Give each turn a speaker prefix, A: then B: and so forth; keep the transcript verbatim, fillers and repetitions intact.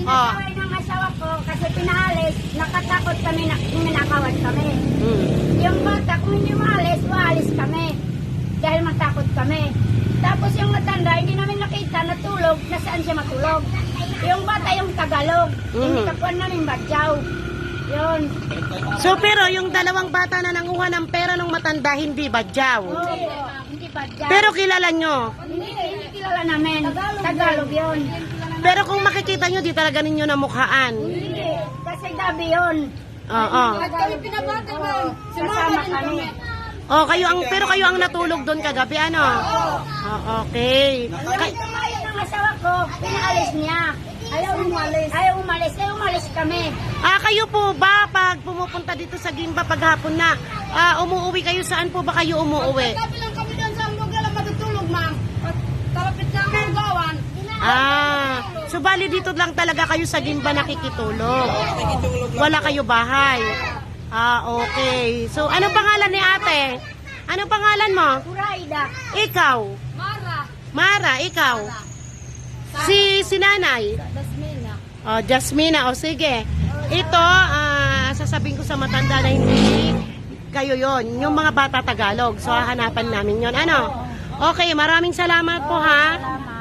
A: Oh.
B: Inasaway ng asawa ko kasi pinaalis, nakatakot kami na minakawan kami.
A: Mm.
B: Yung bata, kung hindi maalis, maalis kami. Dahil matakot kami. Tapos yung matanda, hindi namin nakita, natulog, nasaan siya matulog. Yung bata, yung Tagalog. Hindi
A: Mhm.
B: kapuan namin badyaw. Yun.
A: So pero yung dalawang bata na nanguha ng pera ng matanda, hindi badyaw.
B: Oo, hindi badyaw.
A: Pero kilala nyo.
B: Hindi, hindi kilala namin. Tagalog yun.
A: Pero kung makikita nyo, di talaga ninyo namukhaan.
B: Hindi, kasi gabi yun.
A: Oo.
B: At kami pinabata mo. Kasama kami.
A: Oh, kayo ang pero kayo ang natulog doon kagabi, ano? Oh, okay.
B: Kaya tumayo ng asawa ko, pinaalis niya. Ayaw umalis. Ayaw umalis. Ayaw umalis kami.
A: Ah, kayo po ba pag pumupunta dito sa Gimba paghapon na, ah, umuuwi kayo, saan po ba kayo umuuwi?
B: Tabi lang kami doon sa lugar na matutulog, ma'am. At talapit na ang gawan.
A: Ah, so bali dito lang talaga kayo sa Gimba nakikitulog. Wala kayo bahay. Ah, okay. So anong pangalan ni ate? Anong pangalan mo?
B: Puraida.
A: Ikaw.
B: Mara.
A: Mara, ikaw. Si si nanay.
B: Dasmina.
A: Oh, Jasmina, o sige. Ito, ah, sasabihin ko sa matanda na hindi kayo yon, yung mga bata Tagalog. So hahanapan namin yon. Ano? Okay, maraming salamat po ha.